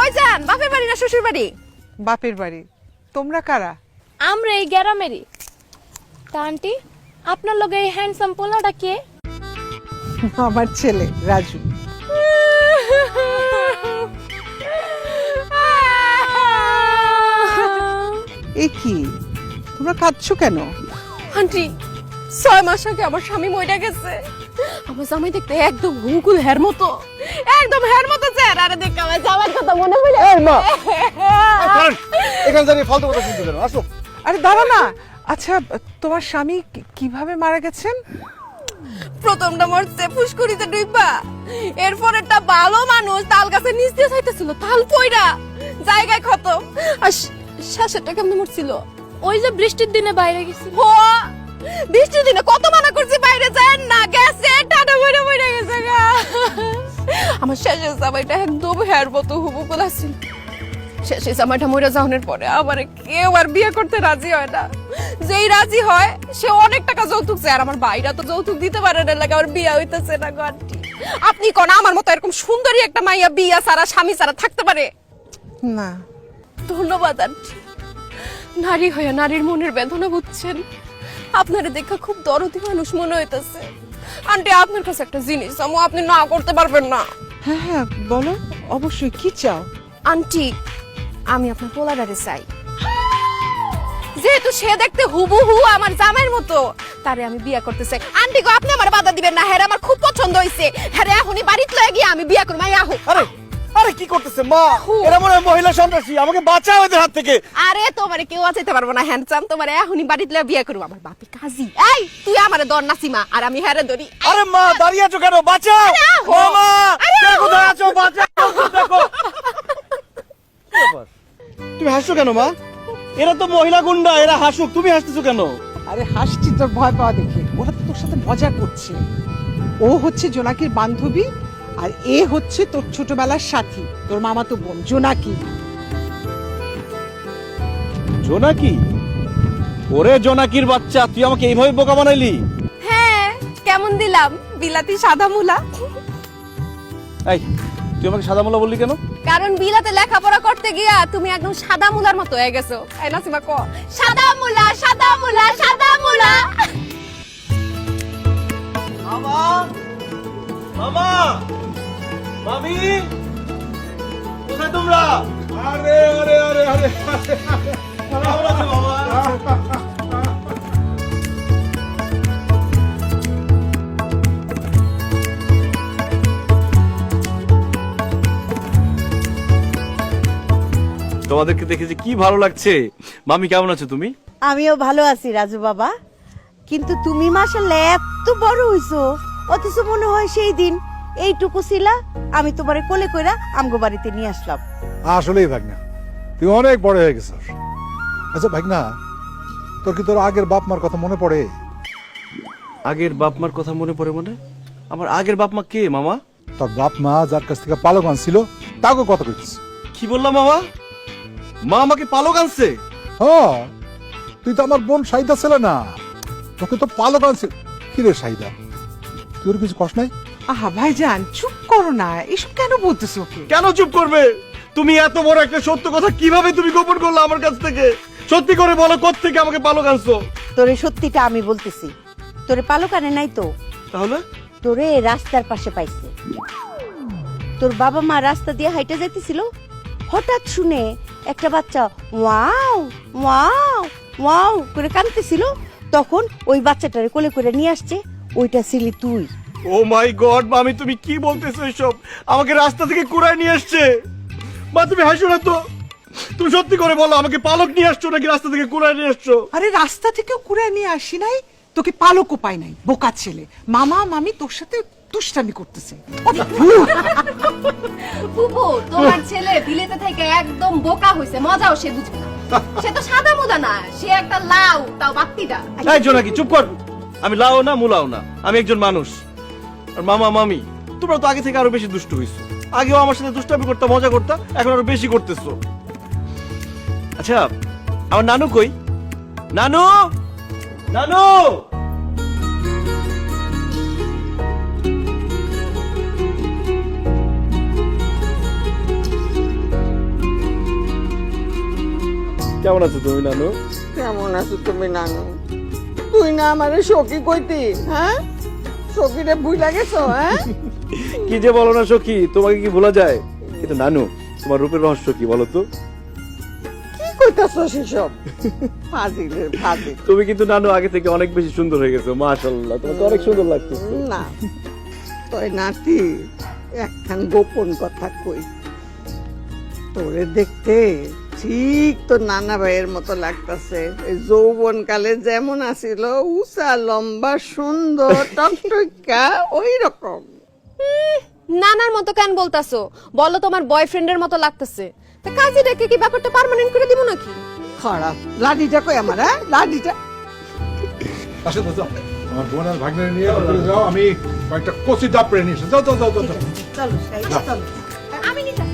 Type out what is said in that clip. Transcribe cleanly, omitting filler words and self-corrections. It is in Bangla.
কই যান? বাপের বাড়ি না শ্বশুর বাড়ি? বাপের বাড়ি। তোমরা কারা? আমরা এই গ্রামেরই। তা আন্টি, আপনার লগে এই হ্যান্ডসাম পোলাটা কে? আমার ছেলে রাজু। এ কি, তোমরা কাঁদছো কেন? আন্টি 6 মাস আগে আমার স্বামী মইরা গেছে। আমার জামাই দেখতে একদম হুকুল হের মতো, একদম হের মতো চেহারা। আরে দেখ আমার জামাইর কথা মনে পড়ে। এই মা, এখানে দাঁড়িয়ে ফালতু কথা শুনতে কেন? আসো। আরে দাঁড়া না। আচ্ছা, তোমার স্বামী কিভাবে মারা গেছেন? প্রথমটা মরছে পুষ্করিতে ডুইবা, এরপর একটা ভালো মানুষ তাল গাছে নিচ দিয়ে যাইতেছিল, তাল পয়রা জায়গায় খতম। আর শ্বাসেরটা কেমনে মরছিল? ওই যে বৃষ্টির দিনে বাইরে গেছিল। ও বৃষ্টির দিনে কত মানা করছি বাইরে যায় না, গেছে টাটা বইরা বইরা গেছে গা। আমার শেষের জামাইটা একদম হেয়ার মতো হুবুকুল আছিল। শেষের জামাইটা মরে যাওয়ার পরে আমার কেউ আর বিয়ে করতে রাজি হয় না। যেই রাজি হয় সে অনেক টাকা যৌতুক চায়, আর আমার ভাইরা তো যৌতুক দিতে পারে না, লাগে আমার বিয়ে হইতেছে না। গন্টি আপনি কোন আমার মতো এরকম সুন্দরী একটা মাইয়া বিয়া সারা স্বামী সারা থাকতে পারে? না। ধন্যবাদ আন্টি, নারী হয়ে নারীর মনের বেদনা বুঝছেন। আপনারে দেখা খুব দরদি মানুষ মনে হইতেছে। আন্টি আপনার কাছে একটা জিনিস আপনি না করতে পারবেন না? হ্যাঁ হ্যাঁ বলো, অবশ্যই। কি চাও? আন্টি আমি আপনার পোলাডারে চাই। যেহেতু সে দেখতে হুবহু আমার জামাইয়ের মতো, তারে আমি বিয়ে করতে চাই। আন্টি গো আপনি আমার বাধা দিবেন না, হ্যাঁ আমার খুব পছন্দ হইছে। হ্যাঁ এখনই বাড়িতে লয়ে গিয়ে আমি বিয়ে করব। আহো। আরে আরে কি করতেছে মা? এরা মনে হয় মহিলা সন্ত্রাসী, আমাকে বাঁচাও এদের হাত থেকে। আরে তোমারে কেউ বাঁচাইতে পারবো না হ্যান্ডসাম, তোমারে এখনই বাড়িতে লয়ে বিয়ে করব। আমার বাপি কাজী। এই তুই আমারে ধর না সীমা, আর আমি হ্যারে ধরি। আরে মা দাঁড়িয়ে আছো কেন? বাঁচাও মামা, কে কোথায় আছো? বাঁচাও, দেখো। কি ব্যাপার? তুমি হাসছো কেন মা? এরা তো মহিলা গুন্ডা, এরা হাসুক, তুমি হাসতেছো কেন? আরে হাসছি তোর ভয় পাওয়া দেখে। ওরা তো তোর সাথে মজা করছে। ও হচ্ছে জোনাকির বান্ধবী, আর এ হচ্ছে তোর ছোটবেলার সাথী, তোর মামাতো বোন জোনাকি। জোনাকি? ওরে জোনাকির বাচ্চা, তুই আমাকে এইভাবে বোকা বানাইলি? হ্যাঁ কেমন দিলাম বিলাতি সাদা মুলা? এই তুই আমাকে সাদা মোলা বললি কেন? কারণ বিলাতে লেখাপড়া করতে গিয়া তুমি একদম সাদা মুলার মতো হয়ে গেছো। এই নাসিমা ক সাদা মুলা সাদা মুলা সাদা মুলা। মামা, মামা, মামি, কোথায় তোমরা? আরে আরে আরে আরে কেমন আছো মামা? তোমাদেরকে দেখে যে কি ভালো লাগছে। মামি কেমন আছো তুমি? আমিও ভালো আছি রাজু বাবা, কিন্তু তুমি মাশাআল্লাহ এত বড় হইছো, অথচ মনে হয় সেই দিন এইটুকু ছিলা। আমি তোমারে কোলে কইরা আমগো বাড়িতে নিয়ে আসলাম। আসলেই ভাগনা, তুই অনেক বড় হয়ে গেছিস। আচ্ছা ভাগনা, তোর কি তোর আগের বাপ মার কথা মনে পড়ে? আগের বাপ মার কথা মনে পড়ে? মানে আমার আগের বাপ মা কে মামা? তোর বাপ মা যার কাছ থেকে পালক আনছিল তাকে কথা কইছিস। কি বললাম মামা? মা আমাকে পালক আনছে? হ্যাঁ, তুই তো আমার বোন সাইদা ছিল না, তোকে তো পালক আনছিল। কি রে সাইদা, তোর কিছু কষ্ট নাই? আহা ভাইজান চুপ করো না, এসব কেন বলতেছো ওকে? কেন চুপ করবে? তুমি এত বড় একটা সত্য কথা কিভাবে তুমি গোপন করলে আমার কাছ থেকে? সত্যি করে বলো, কোত্থেকে আমাকে পালক আনছো? তোরে সত্যিটা আমি বলতেছি, তোরে পালক আনে নাই তো, তাহলে? তোরে রাস্তার পাশে পাইছে। তোর বাবা মা রাস্তা দিয়ে হাইটা যাইতেছিল, হঠাৎ শুনে একটা বাচ্চা ওয়াও ওয়াও ওয়াও করে কাঁদতেছিল। তখন ওই বাচ্চাটারে কোলে করে নিয়ে আসছে, ওইটা ছিলি তুই। ও মাই গড মামি, তুমি কি বলতেছো এসব? আমাকে রাস্তা থেকে কুড়ায় নিয়ে আসছে? মা তুমি হাসো না তো, তুমি সত্যি করে বলো, আমাকে পালক নিয়ে আসছো নাকি রাস্তা থেকে কুড়ায় নিয়ে আসছো? আরে রাস্তা থেকেও কুড়ে নিয়ে আসি নাই, তোকে পালকও পাই নাই। বোকা ছেলে, মামা মামি তোর সাথে দুষ্টামি করতেছে। বুবু তোমার ছেলে বিলেতে থেকে একদম বোকা হইছে, মজাও সে বুঝবে না। সে তো সাদা মুলা না, সে একটা লাউ, তাও বাত্তিটা। এই জোনাকি চুপ কর। আমি লাও না মুলাও না, আমি একজন মানুষ। আর মামা মামি তোমরা তো আগে থেকে আরো বেশি দুষ্ট হইছো। আগেও আমার সাথে দুষ্টামি করতে মজা করতা, এখন আরো বেশি করতেছো। আচ্ছা আমার নানু কই? নানু, নানু। কেমন আছো তুমি নানু? কেমন আছো তুমি নানু? তুই না আমারে সখী কইতি, হ্যাঁ? সখীরে ভুইলা গেছো, হ্যাঁ? কি যে বলো না সখী, তোমাকে কি ভোলা যায়? কিন্তু নানু, তোমার রূপের রহস্য কি বলো তো? কি কইতাছো সেসব? ফাজিলের ফাজিল। তুমি কিন্তু নানু আগে থেকে অনেক বেশি সুন্দর হয়ে গেছো, মাশাআল্লাহ, তোমাকে অনেক সুন্দর লাগতেছে। না, তোর নাতি একখান গোপন কথা কই। তোরে দেখতে ঠিক তোর নানা ভাইয়ের মতো লাগতাছে। এই যৌবন কালে যেমন আছিল, উঁচা লম্বা সুন্দর টকটকা ওই রকম। নানার মতো কেন বলতাছো? বলো তোমার বয়ফ্রেন্ডের মতো লাগতেছে। তা কাজী ডেকে কি ব্যাপারটা পার্মানেন্ট করে দিব নাকি? খারাপ লাডিটা কই আমার, হ্যাঁ? লাডিটা আসো তো, যাও। আমার বোন আর ভাগ্নে নিয়ে ভিতরে যাও, আমি কয়েকটা কচি ডাব পেরে নিয়ে এসে যাও যাও যাও যাও যাও। চলো সাইদা চলো। আমি নিতে